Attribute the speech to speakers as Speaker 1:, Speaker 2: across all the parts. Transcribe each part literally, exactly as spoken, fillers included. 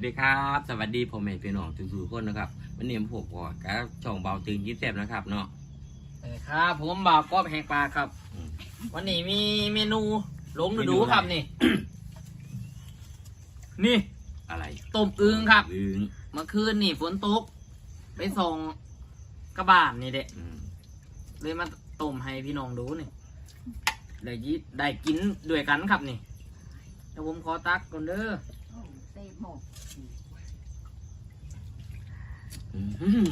Speaker 1: ดีครับสวัสดีผมเองพี่น้องทุกๆคนนะครับวันนี้ผมก็กับช่องเบาตึงยิ้มแซ่บนะครับเนาะ
Speaker 2: เออครับผมบ่าวกอบแหกปลาครับ วันนี้มีเมนูหลงดูๆครับนี่ นี่
Speaker 1: อะไร
Speaker 2: ต้มอึ่งครับ
Speaker 1: อึ่ง
Speaker 2: เมื่อคืนนี่ฝนตกไปส่งกระบานนี่เด็เลยมาต้มให้พี่น้องดูนี่ได้ยิได้กินด้วยกันครับนี่เดี๋ยวผมขอตักก่อนเด้อ
Speaker 3: เต็มหมด
Speaker 1: อืม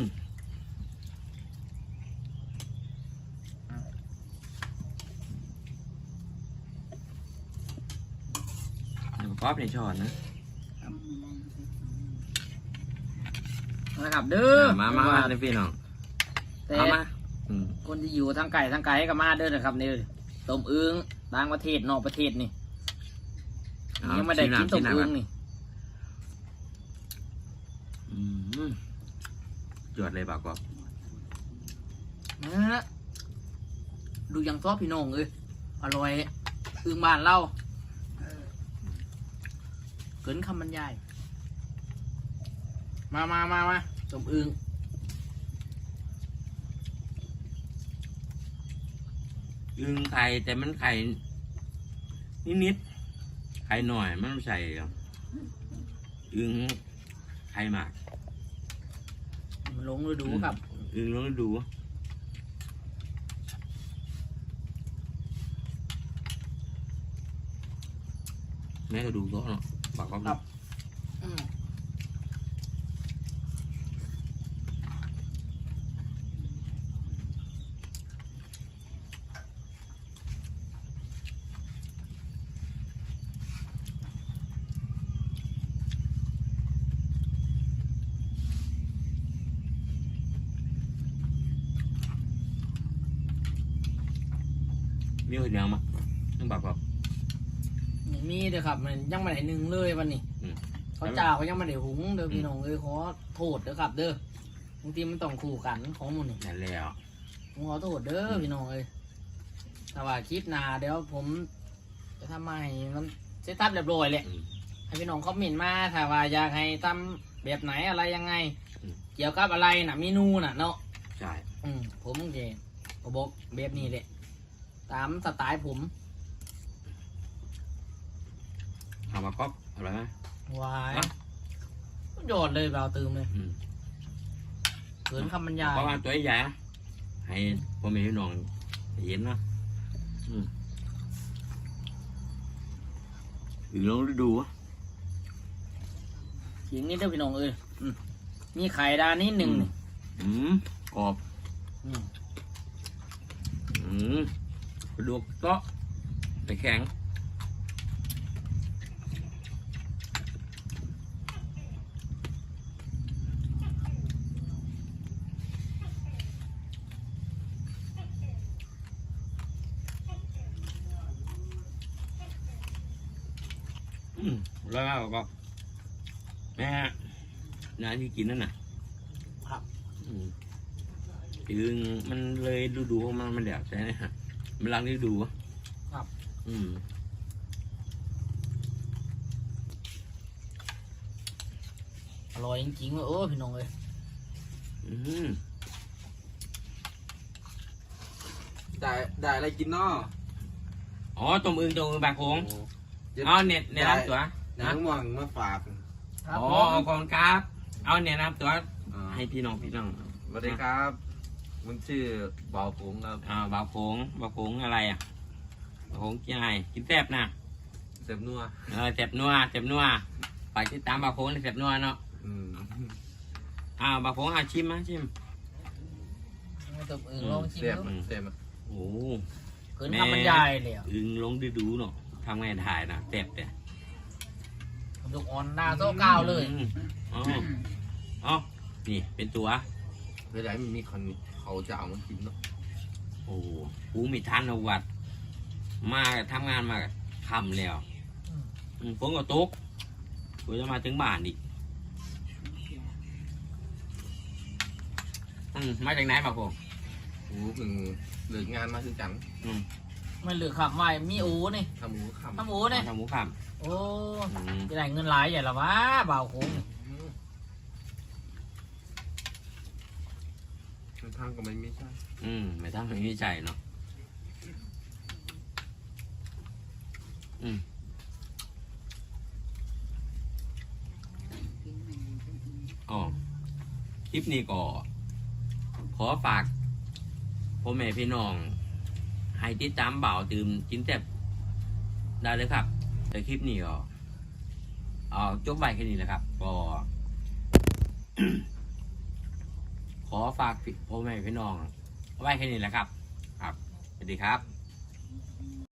Speaker 1: ป๊อปในช้อนนะ
Speaker 2: นะครับเด้อ
Speaker 1: มามามาเลยพี่น้อง
Speaker 2: แต่
Speaker 1: เอามาอืม
Speaker 2: คนที่อยู่ทางไก่ทางไก่ก็มาเด้อนะครับนี่ต้มอึ่งต่างประเทศนอกประเทศนี่ยังไม่ได้กินต้มอึ่งนี่
Speaker 1: อืมจวดเลยบ่าวกอบ
Speaker 2: นะดูยังซอสพี่น้องเลยอร่อยอึ่งบ้านเราเกินคำบรรยายมามามามาต้มอึ่ง
Speaker 1: อึ่งไข่แต่มันไข่นิดๆไข่หน่อยมันไม่ใส่อึ่งไข่หมาก
Speaker 2: มันลงฤดูครับ
Speaker 1: อึ่งลองดูแม่ก็ดูก็เนาะบอกก็
Speaker 2: ครับ อืม
Speaker 1: มีคนเดียวมั้ยต้องบอกว่า
Speaker 2: อย่างนี้เด้อครับมันยังไม่ได้หนึ่งเลยวันนี้
Speaker 1: อืม
Speaker 2: เขาจ่าเขายังไม่ได้หุงเด้อพี่น้องเลยขอโทษเด้อครับ เด้อบางทีมันต้องคู่กันของหมันนี่
Speaker 1: นั่นแล้ว
Speaker 2: ผมขอโทษเด้อพี่น้องเลยแต่ว่าคลิปหน้าเดี๋ยวผมจะทำมาให้มันเสร็จทับเรียบร้อยแหละ
Speaker 1: อืม
Speaker 2: ให้พี่น้องคอมเมนต์มาถ้าว่าอยากให้ทำแบบไหนอะไรยังไง
Speaker 1: อืม
Speaker 2: เกี่ยวกับอะไรน่ะเมนูน่ะเนาะ
Speaker 1: ใช่
Speaker 2: อืมผมเจก็บอกแบบนี้แหละตามสไตล์ผม
Speaker 1: ถามว่าก๊อฟอะไรไหม
Speaker 2: วาย
Speaker 1: อ่ะ
Speaker 2: โยอดเลยเราตื่มเลย
Speaker 1: อืม
Speaker 2: เขินคำบรรยาย
Speaker 1: เพราะว่าตัวใหญ่นะให้พ่อแม่พี่น้องเห็นนะอืมอึ่งลองดูวะ
Speaker 2: ยิงนี่เด้อพี่น้องเอ้ยอืมมีไข่ดานนิดหนึ่งนี่
Speaker 1: อืมกรอบ
Speaker 2: อืม
Speaker 1: อืมกระดูกเตาะแต่แข็งอืมแล้วก็แม่น้าที่กินนั่นน่ะ
Speaker 2: ครับ
Speaker 1: อืมอึงมันเลยดูดูของมันมันแดดใช่ไหมฮะมันรังฤดูอะ
Speaker 2: ครับ
Speaker 1: อืม
Speaker 2: อร่อยจริงๆเลยเออพี่น้องเอ้ย
Speaker 1: อืม
Speaker 4: ได้ได้อะไรกินเนาะ
Speaker 1: อ๋อต้มอึงต้มอึงบางโขง
Speaker 4: เจ็ด
Speaker 1: เอาเน็ตในน้ำตัว
Speaker 4: น้ำม่วงมาฝาก
Speaker 2: ครับ
Speaker 1: อ๋อ
Speaker 2: ผม
Speaker 1: เอากองครับ เอาเน็ตน้ำตัว
Speaker 4: อ่า
Speaker 1: ให้พี่น้องพี่น้อง
Speaker 4: สวัสดีครับมันชื่อเบาผงครับ
Speaker 1: อ่าบางโขงบางโขงอะไรอ่ะบางโขงกินอะไรกินแซ่บนะ
Speaker 4: เสพนัว
Speaker 1: เออแซ่บนัวแซ่บนัวไปที่ตามบางโขงแซ่บนัวเนาะ
Speaker 4: อืม
Speaker 1: อ่าบางโขงอาชิมนะชิม
Speaker 2: ให้ตบอึ่งลองชิม
Speaker 4: เสพ
Speaker 2: ดู
Speaker 4: เสพอ่ะ
Speaker 1: โอ้
Speaker 2: เขินคำบรรยายเลยอ่ะ
Speaker 1: อึงลงดูดูเนาะทำไงถ่ายนะแซ่บแต่
Speaker 2: ลูกอ่อนหน้าโต๊ะก้าวเลย
Speaker 1: อืมอ๋ออ๋อนี่เป็นตัว
Speaker 4: เวลามันมีคนเขาจะเอามากินเนาะ
Speaker 1: โอ้กูมีทันเอาวัด มาทำงานมาคำแล้ว
Speaker 2: อืม
Speaker 1: อืมฝนก็ตกกูจะมาถึงบ้านอีกอืมมาจากไหนมาพง
Speaker 4: โอ้เพิ่งเลิกงานมาคือกัน
Speaker 1: อืม
Speaker 2: ไม่เหลือขับไว้มีอูนี่
Speaker 4: ทำหมูคำ
Speaker 2: ทำอูนี่
Speaker 1: ทำหมูค
Speaker 2: โอ้
Speaker 1: อืม
Speaker 2: จะได้เงินหลายใหญ่ละวะบ่าวโค้งนี่
Speaker 4: ทางก็ไม่มีใช่
Speaker 1: อืมไม่ต้องไม่มีใจเนาะอืมอ๋อคลิปนี้ก็ขอฝากพ่อแม่พี่น้อง ให้ติดตามบ่าวตื่มกินแซ่บได้เลยครับ แต่คลิปนี้ก็เอาจบไปแค่นี้แหละครับ ก็ ขอฝากพ่อแม่พี่น้องไว้แค่นี้แหละครับ ครับสวัสดีครับ